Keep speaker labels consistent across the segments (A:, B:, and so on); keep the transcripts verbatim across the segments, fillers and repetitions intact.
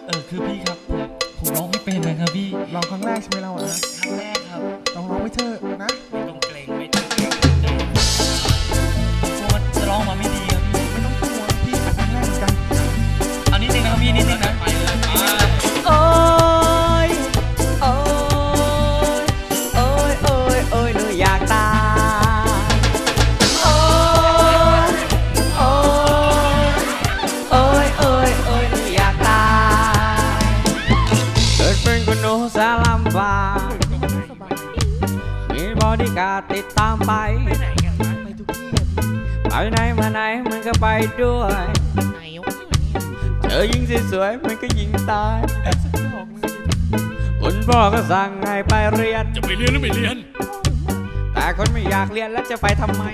A: เออคือพี่ครับผมผมร้องไม่เป็นนะครับพี่
B: ร้องครั้งแรกใช่ไหมเราอะ
A: ครั้งแรกครับ
B: ลองร้องไปเถอะนะ
A: ไม่ต้องเกรงไม่ต้องเกรงกลัวจะร้องมาไม่ดีครับพี่
B: ไม่ต้องกลัวพี่ครั้งแรกเหมือนกัน
A: เอานิดนึงนะครับพี่นิดนึงนะไปเลยไป
C: โอ้ยโอ้ยโอ้ยโอ้ยโอ้ยหนูอยากตายโอ้ยโอ้ยโอ้ยโอ้ยโอ้ยหนูอยากตายเกิดเป็นคนหนูสารลำบากมีบอดี้การ์ดติดตามไป
B: ไปไหนกันวะไปทุกที่อะพี่
C: ไปไหนมาไหนมันก็ไปด้วย
B: ไหนวะเนี่ย
C: เจอยิงสวยๆมันก็ยิงตาย
B: สักดอกนึง
C: คุณพ่อก็สั่งให้ไปเรียน
A: จะไปเรียนหรือไม่เรียน
C: แต่คนไม่อยากเรียนแล้วจะไปทำไม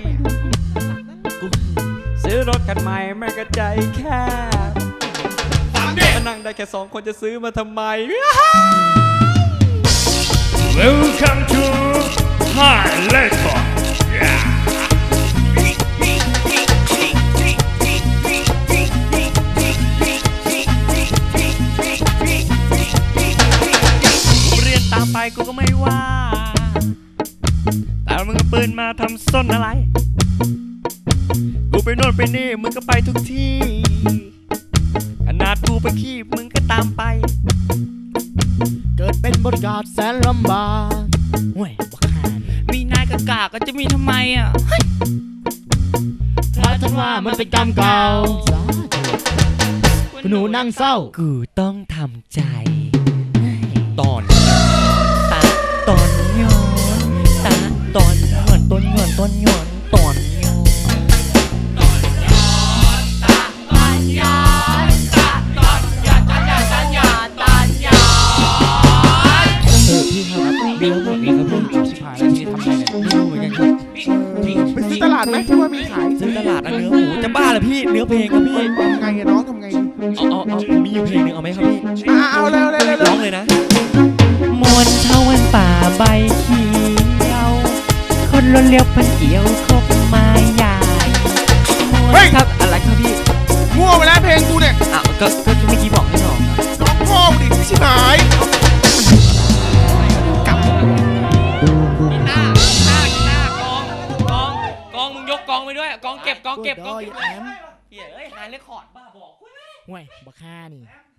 C: ซื้อรถคันใหม่ไม่กระใจแค่มานั่งได้แค่สองคนจะซื้อมาทำไม
D: Welcome to High Record
A: กูเรียนตามไปกูก็ไม่ว่าแต่มึงเอาปืนมาทำส้นอะไรกูไปโน่นไปนี่มึงก็ไปทุกที่ขนาดกูไปขี้มึงก็ตามไป
B: เกิดเป็นบริการแสนลำบากห่วยบักหาน
A: มีนายกะกาก็จะมีทำไมอ่ะ
B: เพราะท่านว่ามันเป็นกรรมเก่าคุณหนูนั่งเศร้า
C: กูต้องทำใจตอน
A: ตาตอนย้อนตาตอนย้อนต้นย้อนต้นย้อนตอนย้อนตอนย้อนตาตอนย้อนตาตอนย้อนตอนย้อนตอนย้อนตอนย้อน
B: เออพี่ครับมีแล้วผมมีครับพี่ชิบหายแล้วทีนี้ทำไงเนี่ยไม่รู้เหมือนกันครับไปซื้อตลาดไหมที่ว่ามีขาย
A: ซื้อตลาดอันเนื้อหมูจะบ้าเหรอพี่เนื้อเพลงครับพี่
B: ทำไงอะน้องทำไง
A: เอาเอาเอามีอยู่เพลงหนึ่งเอาไหมครับพี่
B: เอาเร็วเร็วเร็ว
A: ร้องเลยนะ
C: มวนเท่าวันป่าใบเขียวคนล้นเลี้ยวพันเกี่ยวคบไม้ใหญ่
B: เฮ้ย
C: ครับอะไรครับพี่
B: มั่วไปแล้วเพลงกูเนี่ย
C: อ้าวก็ก็เมื่อกี้บอกให้ร้องครับ
B: ร้องพ่อดิชิบหายกลับ
A: หน้าหน้าหน้ากองกองกองมึงยกกองไปด้วยกองเก็บกองเก็บกองเก็บเฮ้ยหายเรคคอร์ดบ้าบอก
B: ห่วยบักฆ่านี่